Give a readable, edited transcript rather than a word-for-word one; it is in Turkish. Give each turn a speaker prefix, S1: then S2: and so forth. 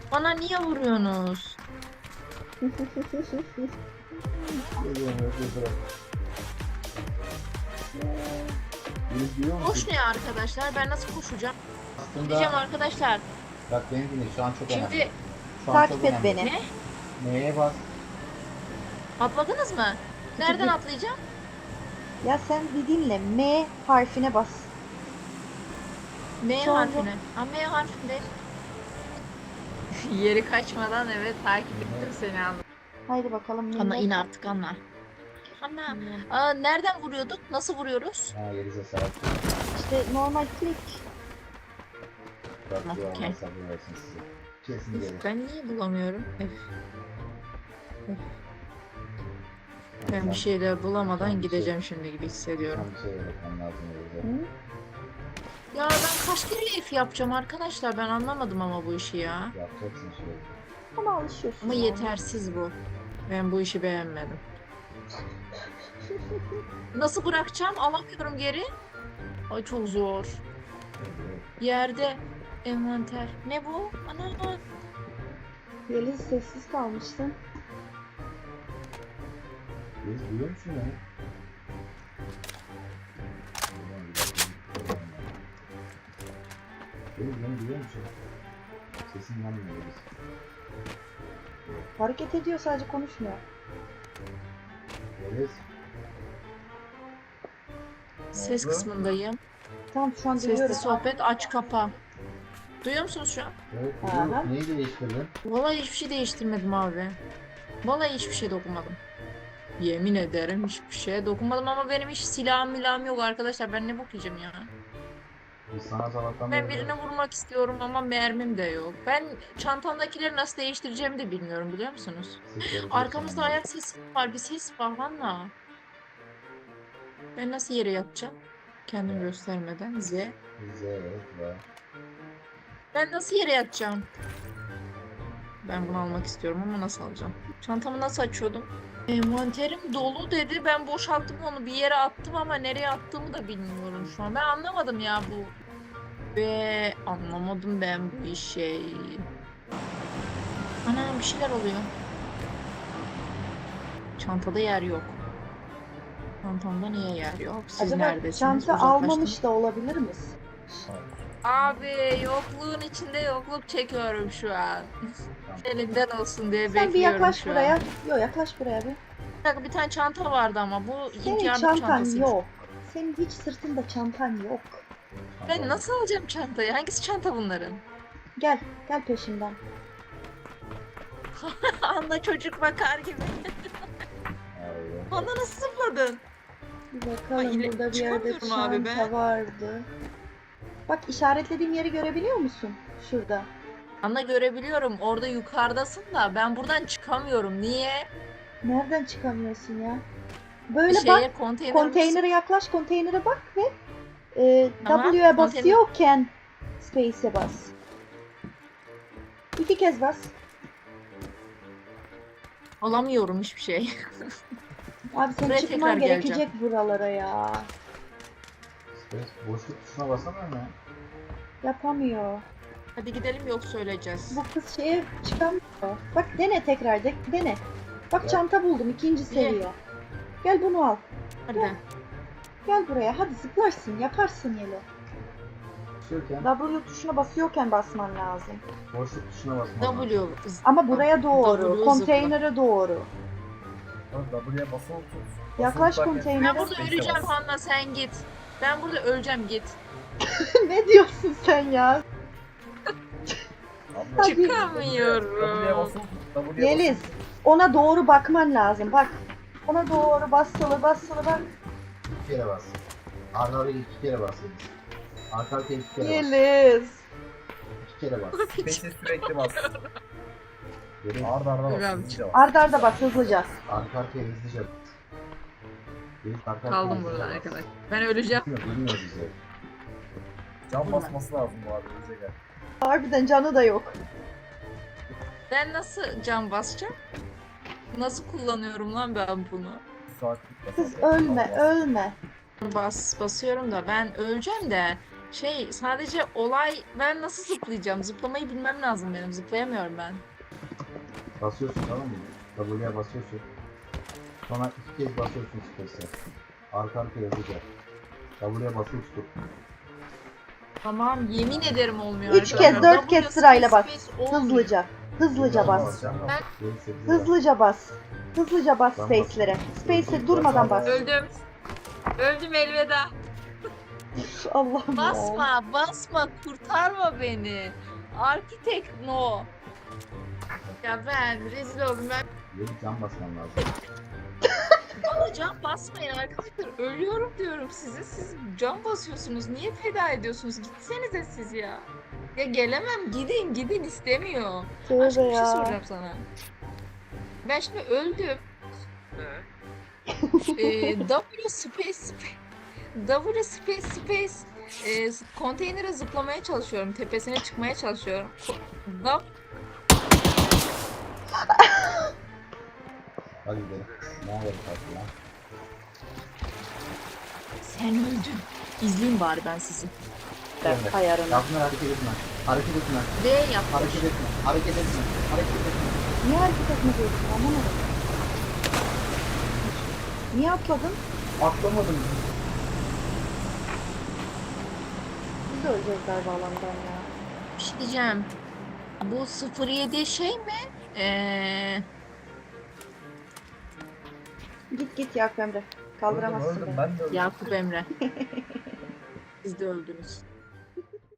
S1: Bana niye vuruyorsunuz?
S2: Geliyorum, bırak. Beni duyuyor musun?
S1: Koş ne arkadaşlar? Ben nasıl koşacağım? Diyeceğim
S2: Aslında
S1: arkadaşlar.
S2: bak beni dinle, şu an çok önemli.
S1: Şimdi
S2: Şu an
S3: Takip
S2: çok
S3: et
S2: önemli.
S3: beni.
S1: ne?
S2: Neye bas?
S1: Atladınız mı? Nereden atlayacağım?
S3: Ya sen bir dinle. M harfine bas.
S1: M
S3: Sonra-
S1: harfine. Ha M harfinde. Yeri kaçmadan evet takip ettim seni anladım.
S3: Haydi bakalım.
S1: Anla
S3: millet.
S1: in artık anla. Anla.
S3: Hmm.
S1: Nereden vuruyorduk? Nasıl vuruyoruz?
S2: Ha, Yeliz'e sahip.
S3: İşte normal klik.
S2: Bak
S1: Tamam,
S2: bu
S1: okey.
S2: Allah sabır versin size. Kesin gelir.
S1: Ben niye bulamıyorum? Ben bir
S2: Sen-
S1: şeyler bulamadan
S2: sen bir şey-
S1: gideceğim şimdi gibi hissediyorum.
S2: Tam bir şey öğretmen lazım Yeliz'e.
S3: Hı?
S1: Ya ben kaç kere F yapacağım arkadaşlar? Ben anlamadım ama bu işi ya.
S2: Yapacaksın şey.
S3: Ama alışıyorsun.
S1: Ama
S3: yani.
S1: yetersiz bu. Ben bu işi beğenmedim. Nasıl bırakacağım? Alamıyorum geri. Ay çok zor. Yerde envanter. Ne bu? Ana.
S3: Yeliz sessiz kalmıştı.
S2: Yeliz duyuyor musun beni? Yeliz beni duyuyor musun? Sesin gelmiyor Yeliz.
S3: Hareket ediyor, sadece konuşmuyor.
S2: Yeliz.
S1: Ses
S2: oldu?
S1: kısmındayım.
S3: Tamam, şu an
S1: Sesli
S3: duyuyorum.
S1: sohbet aç kapa. Duyuyor musunuz şu an?
S2: Evet,
S3: Aha.
S2: duyuyorum. Neyi değiştirdin?
S1: Vallahi hiçbir şey değiştirmedim abi. Vallahi hiçbir şey dokunmadım. Yemin ederim hiçbir şeye dokunmadım ama benim hiç silahım milahım yok arkadaşlar. Ben ne bok yiyeceğim ya?
S2: Biz sana sabahtan
S1: Ben
S2: beri-
S1: birine vurmak istiyorum ama mermim de yok. Ben çantamdakileri nasıl değiştireceğimi de bilmiyorum biliyor musunuz?
S2: Sesleri
S1: Arkamızda
S2: duyuyorsun.
S1: ayak sesi var. Bir ses var valla. Ben nasıl yere yatacağım? Kendimi göstermeden. Z.
S2: Bize evet var.
S1: Ben nasıl yere yatacağım? Ben bunu almak istiyorum ama nasıl alacağım? Çantamı nasıl açıyordum? Envanterim dolu dedi. Ben boşalttım onu bir yere attım ama nereye attığımı da bilmiyorum şu an. Ben anlamadım ya bu. Ve anlamadım ben bu işi. Ana bir şeyler oluyor. Çantada yer yok. Çantamda niye yer yok? Siz
S3: Acaba
S1: neredesiniz?
S3: çanta
S1: Uzaklaştım.
S3: almamış da olabilir misin?
S1: Abi yokluğun içinde yokluk çekiyorum şu an. Elinden olsun diye
S3: Sen bir
S1: bekliyorum
S3: yaklaş
S1: şu
S3: buraya.
S1: an.
S3: Yok, yaklaş buraya bir.
S1: Bir dakika, bir tane çanta vardı ama bu ilk
S3: Senin
S1: yardım
S3: çantan
S1: çantası.
S3: yok. Senin hiç sırtında çantan yok.
S1: Ben nasıl alacağım çantayı? Hangisi çanta bunların?
S3: Gel, gel peşimden.
S1: Anda çocuk bakar gibi.
S2: Aynen.
S1: Bana nasıl zıpladın?
S3: Bir bakalım,
S1: Ay,
S3: burada bir yerde
S1: çıkamıyorum abi
S3: çanta
S1: ben.
S3: vardı. Bak, işaretlediğim yeri görebiliyor musun? Şurada.
S1: Anda görebiliyorum. Orada yukarıdasın da ben buradan çıkamıyorum. Niye?
S3: Nereden çıkamıyorsun ya? Böyle
S1: Şeye
S3: bak,
S1: konteyner
S3: konteynere yaklaş, konteynere bak ve
S1: Tamam,
S3: W'ye
S1: konteyner-
S3: basıyorken Space'e bas. 2 kez bas.
S1: alamıyorum hiçbir şey.
S3: Abi senin
S1: Buraya
S3: çıkman
S1: tekrar
S3: gerekecek
S1: geleceğim.
S3: buralara ya.
S2: Space boşluk tuşuna basamıyor mu ya?
S3: Yapamıyor.
S1: Hadi gidelim yok söyleyeceğiz.
S3: Bu kız şeye çıkamıyor. Bak dene tekrar, dene. Bak
S2: Ya.
S3: çanta buldum, 2. seviye. Gel bunu al.
S1: Hadi.
S3: Gel buraya, hadi zıplarsın, yaparsın Yelo.
S2: Basıyorken
S3: W tuşuna basıyorken basman lazım.
S2: boşluk tuşuna basman lazım.
S1: W.
S3: Ama buraya doğru,
S1: W
S3: konteynere doğru.
S4: W'ye basılı tut.
S3: Yaklaş
S4: Basılı
S3: konteynere.
S1: Ben burada öleceğim Hanna sen git. Ben burada öleceğim git.
S3: Ne diyorsun sen ya? Hadi.
S4: W'ye
S1: Çıkamıyorum.
S4: basılı tut. W'ye
S3: Yeliz, ona doğru bakman lazım. Bak, ona doğru basılı bak.
S2: 2 kere bas. Arda arda 2 kere bas Yeliz. Arka arkaya 2 kere bas.
S3: Yeliz.
S2: 2 kere bas.
S4: Space'e sürekli bas.
S2: Yeliz
S4: Arda arda bas.
S1: Biraz.
S4: Hızlıca bas.
S3: Arda arda bas, hızlıca.
S2: arka arkaya hızlıca bas. Yeliz arka arkaya
S1: Kaldım
S2: hızlıca
S1: burada
S2: bas.
S1: arkadaş. Ben öleceğim.
S2: Bilmiyor bizi.
S4: Can basması lazım bu arada. Önce gel.
S3: Harbiden canı da yok.
S1: Ben nasıl cam basacağım? Nasıl kullanıyorum lan ben bunu?
S4: Saatlik bas.
S3: Kız
S4: Arda.
S3: ölme,
S4: Bas.
S3: ölme.
S1: Basıyorum da ben öleceğim de Sadece olay ben nasıl zıplayacağım? Zıplamayı bilmem lazım benim. Zıplayamıyorum ben.
S2: Basıyorsun tamam mı? W'ye basıyorsun. Sonra 2 kez basıyorsun space'e. Arka arkaya hızlıca. W'ye basılı tutup.
S1: Tamam yemin ederim olmuyor.
S3: 3 kez
S1: arkadaşlar.
S3: 4 kez
S1: W,
S3: sırayla bas.
S1: space olmuyor.
S3: Hızlıca. Hızlıca bas.
S2: Can bas.
S1: Ben-
S2: 7, 8,
S3: Hızlıca bas. Hızlıca bas
S2: Ben
S3: space'lere. Space'e
S2: Öldüm.
S3: durmadan bas.
S1: Öldüm. Öldüm elveda.
S3: Üf, Allah'ım ya.
S1: Basma, kurtarma beni. Architect no. Ya ben rezil oldum. Ben
S2: Yeni can basman lazım.
S1: bana can basmayın arkadaşlar. Ölüyorum diyorum size. Siz can basıyorsunuz. Niye feda ediyorsunuz? Gitsenize siz ya. Ya gelemem. Gidin istemiyor.
S3: Tövbe
S1: Başka bir şey
S3: ya.
S1: soracağım sana. Ben şimdi öldüm. W space konteynere zıplamaya çalışıyorum. Tepesine çıkmaya çalışıyorum. W
S2: Hadi gidelim. Ne yapalım artık ya?
S1: sen öldün. İzleyin bari ben sizi.
S3: Ben ayarını.
S2: Yapma hareket etme. Hareket etme.
S1: D yap.
S2: Hareket etme. Hareket etme. Hareket etme.
S3: Niye hareket etmiyorsun? Anlamadım. Niye atladın?
S2: Atlamadım.
S3: Biz de öleceğiz galiba alandan ya.
S1: Bir şey diyeceğim. Bu 07 şey mi?
S3: Git Yakup Emre. Kaldıramazsın
S4: Öldüm,
S3: beni.
S4: ben de öldüm.
S1: Yakup Emre. Siz de öldünüz.